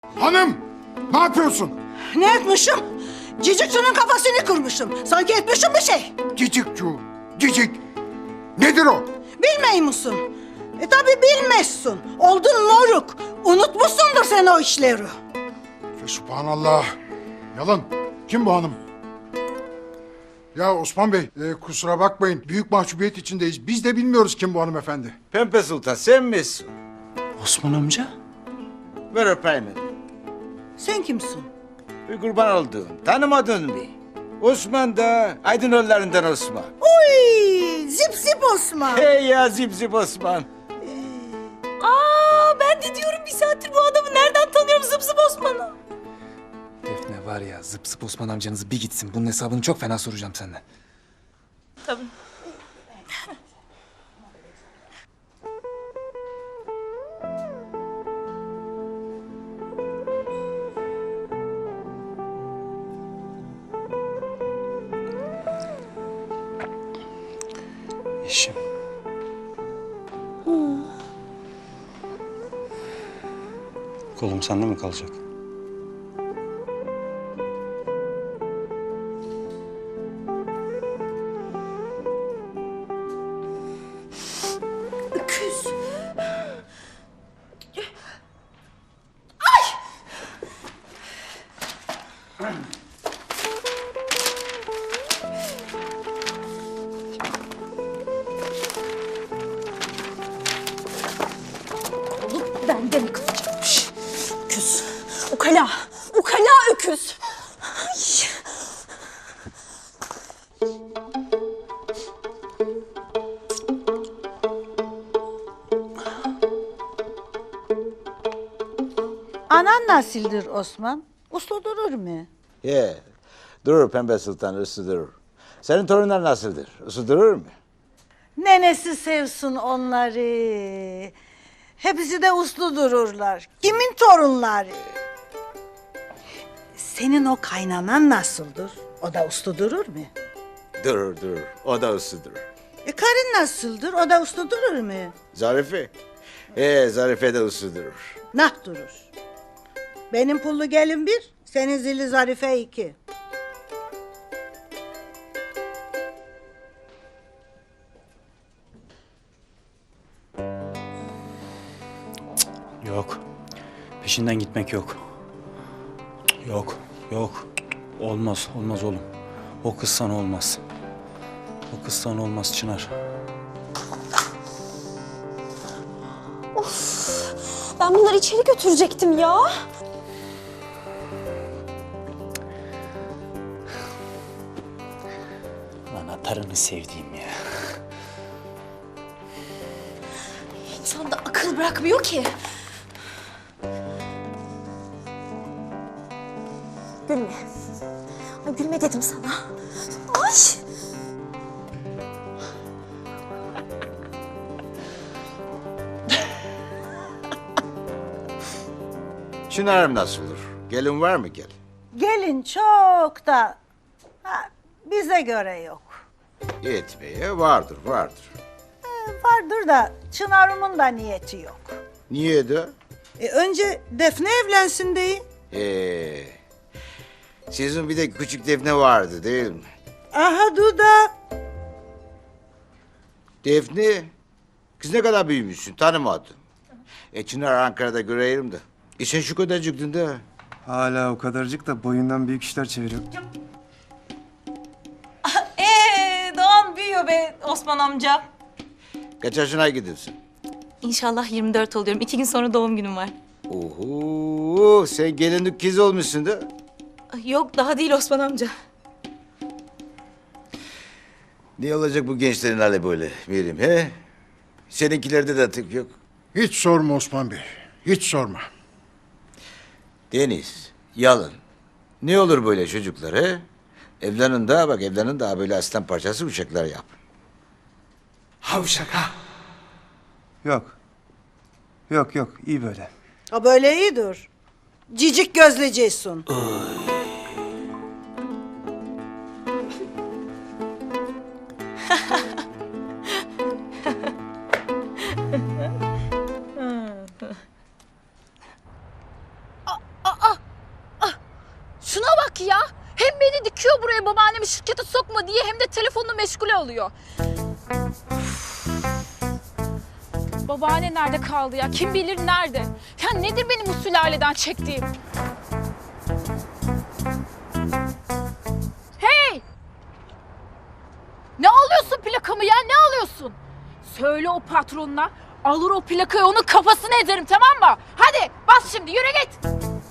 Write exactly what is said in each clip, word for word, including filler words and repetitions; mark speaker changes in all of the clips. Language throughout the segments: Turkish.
Speaker 1: Hanım! Ne yapıyorsun?
Speaker 2: Ne etmişim? Cicikçinin kafasını kırmışım. Sanki etmişim bir şey.
Speaker 1: Cicikçu, cicik. Nedir o?
Speaker 2: Bilmey musun? E tabi bilmezsin. Oldun moruk. Unutmuşsundur sen o işleri.
Speaker 1: Subhanallah. Yalan. Kim bu hanım? Ya Osman Bey, e, kusura bakmayın. Büyük mahcubiyet içindeyiz. Biz de bilmiyoruz kim bu hanımefendi.
Speaker 3: Pembe Sultan sen misin?
Speaker 4: Osman amca?
Speaker 3: Ver öpeyim hadi.
Speaker 2: Sen kimsin?
Speaker 3: Bir kurban olduğum. Tanımadın mı? Osman da Aydınoğullarından Osman.
Speaker 2: Uy, zip zip Osman.
Speaker 3: Hey ya zip zip Osman.
Speaker 5: Aa, ben de diyorum bir saattir bu adamı nereden tanıyorum zıp zıp Osman'ı.
Speaker 4: Defne var ya, zıp zıp Osman amcanızı bir gitsin. Bunun hesabını çok fena soracağım senden.
Speaker 5: Tabii.
Speaker 4: Eşim.
Speaker 6: Kolum sende mi kalacak?
Speaker 5: Öküz. Olup bende mi kalacakmış? Öküz. Ukala. Ukala öküz. Ay.
Speaker 2: Anan nasıldır Osman? Uslu durur mu?
Speaker 3: Ye. Durur Pembe Sultan, üstü durur. Senin torunlar nasıldır? Üstü durur mu?
Speaker 2: Nenesi sevsin onları. Hepsi de uslu dururlar. Kimin torunları? Senin o kaynanan nasıldır? O da uslu durur mu?
Speaker 3: Durur durur. O da üstü durur.
Speaker 2: E karın nasıldır? O da uslu durur mu?
Speaker 3: Zarife? Ee, Zarife de üstü durur.
Speaker 2: Nah durur. Benim pullu gelin bir, senin zilli zarife iki.
Speaker 6: Yok. Peşinden gitmek yok. Yok, yok. Olmaz, olmaz oğlum. O kız sana olmaz. O kız sana olmaz Çınar.
Speaker 5: Ben bunları içeri götürecektim ya.
Speaker 6: Lan atarını sevdiğim ya.
Speaker 5: İnsan da akıl bırakmıyor ki. Gülme. Ay gülme dedim sana. Ay.
Speaker 3: Çınar'ım nasıldır? Gelin var mı gel?
Speaker 2: Gelin çok da ha, bize göre yok.
Speaker 3: Yetmeye vardır, vardır.
Speaker 2: E, vardır da Çınar'ımın da niyeti yok.
Speaker 3: Niye de?
Speaker 2: E, önce Defne evlensin deyin.
Speaker 3: Ee, sizin bir de küçük Defne vardı değil mi?
Speaker 2: Aha Duda.
Speaker 3: Defne, kız ne kadar büyümüşsün tanımadım. E Çınar Ankara'da göreyim de. E sen şu kadarcıktın da.
Speaker 7: Hala o kadarcık da boyundan büyük işler çeviriyor.
Speaker 5: Ee, Doğan büyüyor be Osman amca.
Speaker 3: Kaç yaşına gidiyorsun?
Speaker 5: İnşallah yirmi dört oluyorum. İki gün sonra doğum günüm var.
Speaker 3: Oho, sen gelinlik kız olmuşsun da.
Speaker 5: Yok daha değil Osman amca.
Speaker 3: Ne olacak bu gençlerin hali böyle Mirim he? Seninkilerde de tık yok.
Speaker 1: Hiç sorma Osman Bey. Hiç sorma.
Speaker 3: Deniz, Yalın. Ne olur böyle çocuklar he? Evlenin daha bak evlenin daha böyle aslan parçası uşaklar yap.
Speaker 4: Havşak ha.
Speaker 7: Yok. Yok yok iyi böyle.
Speaker 2: O böyle iyidir. Cicik gözleceksin.
Speaker 5: manyak ya. Hem beni dikiyor buraya babaannemi şirkete sokma diye hem de telefonunu meşgule alıyor. Babaanne nerede kaldı ya? Kim bilir nerede? Ya nedir benim bu sülaleden çektiğim? Hey! Ne alıyorsun plakamı ya? Ne alıyorsun? Söyle o patronuna. Alır o plakayı onun kafasına ezerim, tamam mı? Hadi bas şimdi, yürü git.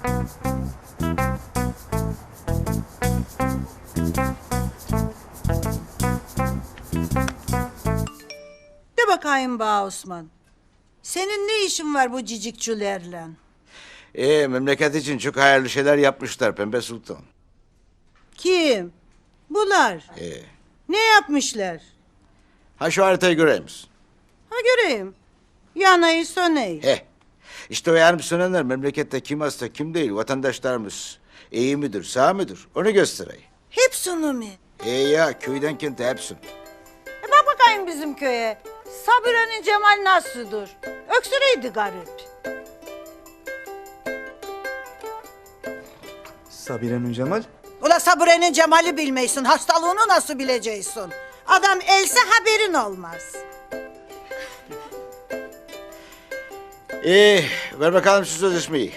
Speaker 2: De bakayım bana Osman. Senin ne işin var bu cicikçülerle?
Speaker 3: Ee, memleket için çok hayırlı şeyler yapmışlar Pembe Sultan.
Speaker 2: Kim? Bunlar.
Speaker 3: Ee,
Speaker 2: Ne yapmışlar?
Speaker 3: ha şu haritayı göreyim misin?
Speaker 2: Ha göreyim. Yanayı söneyi.
Speaker 3: Heh. İşte o yanıp sönenler memlekette kim hasta kim değil vatandaşlarımız. İyi midir sağ mıdır onu göstereyim.
Speaker 2: Hepsini mi?
Speaker 3: Ee ya köyden kente hepsini.
Speaker 2: E bak bakayım bizim köye. Sabire'nin Cemal nasıldır? Öksüreydi garip.
Speaker 7: Sabire'nin Cemal.
Speaker 2: Ula Sabire'nin Cemal'i bilmeysin. Hastalığını nasıl bileceksin? Adam else haberin olmaz.
Speaker 3: Ee, ver bakalım şu sözleşmeyi.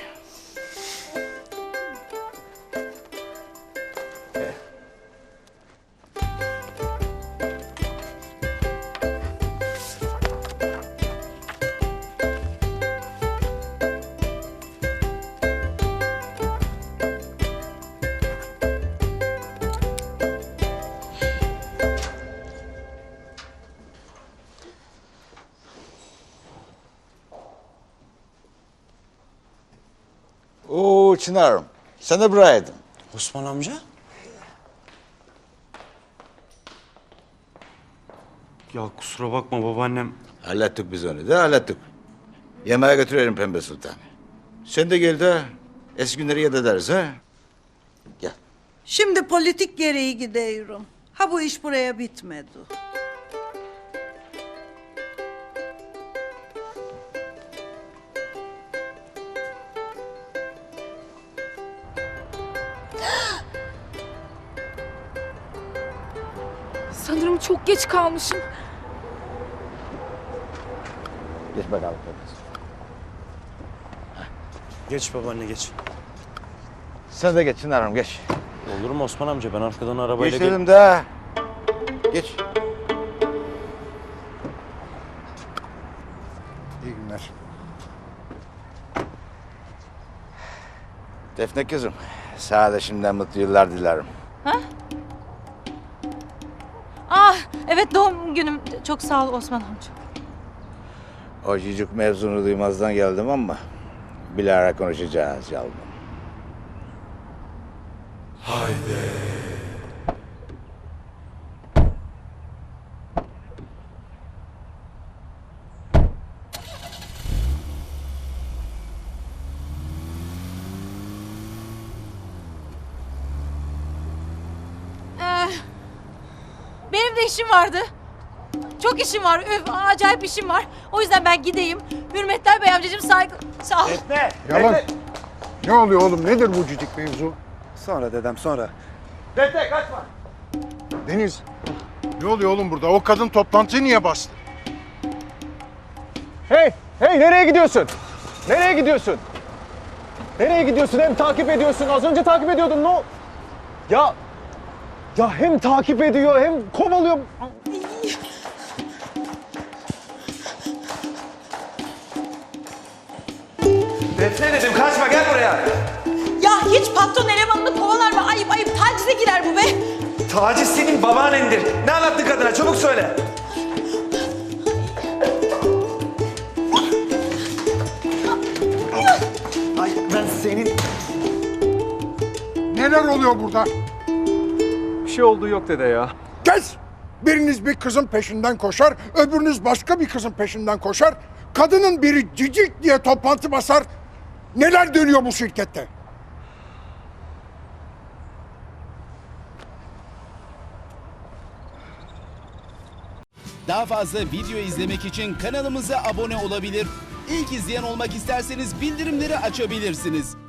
Speaker 3: Oo Çınar'ım, sen de buradaydın.
Speaker 6: Osman amca?
Speaker 8: Ya kusura bakma babaannem.
Speaker 3: Hallettik biz onu da hallettik. Yemeğe götürelim Pembe Sultan. Sen de gel de eski günleri yad ederiz ha. Gel.
Speaker 2: Şimdi politik gereği gidiyorum. Ha bu iş buraya bitmedi.
Speaker 5: Sanırım çok geç kalmışım.
Speaker 3: Geç bakalım Pembe Sultan.
Speaker 6: Geç babaanne geç.
Speaker 3: Sen de geç Çınar'ım geç.
Speaker 6: Olur mu Osman amca? Ben arkadan arabayla
Speaker 3: Geç dedim de. Geç.
Speaker 1: İyi günler.
Speaker 3: Defne kızım, sana da şimdiden mutlu yıllar dilerim.
Speaker 5: Ah evet, doğum günüm. Çok sağ ol Osman amca.
Speaker 3: O cicik mevzunu duymazdan geldim ama bilahare konuşacağız yavrum.
Speaker 5: Benim de işim vardı. Çok işim var. Öf, acayip işim var. O yüzden ben gideyim. Hürmetler Bey amcacığım, saygı... Sağ ol.
Speaker 1: Yalan. Ne oluyor oğlum? Nedir bu cicik mevzu?
Speaker 7: Sonra dedem sonra.
Speaker 1: Deniz. Ne oluyor oğlum burada? O kadın toplantıyı niye bastı?
Speaker 9: Hey, hey nereye gidiyorsun? Nereye gidiyorsun? Nereye gidiyorsun? Hem takip ediyorsun. Az önce takip ediyordun. No. Ya ya hem takip ediyor hem kovalıyor.
Speaker 7: Defne dedim kaçma gel buraya.
Speaker 5: Ya hiç patron elemanını kovalar mı? Ayıp ayıp, tacize girer bu be.
Speaker 7: Taciz senin babaannendir. Ne anlattın kadına çabuk söyle. Ay ben senin...
Speaker 1: Neler oluyor burada?
Speaker 9: Bir şey olduğu yok dede ya.
Speaker 1: Kes! Biriniz bir kızın peşinden koşar, öbürünüz başka bir kızın peşinden koşar. Kadının biri cicik diye toplantı basar. Neler dönüyor bu şirkette?
Speaker 10: Daha fazla video izlemek için kanalımıza abone olabilir. İlk izleyen olmak isterseniz bildirimleri açabilirsiniz.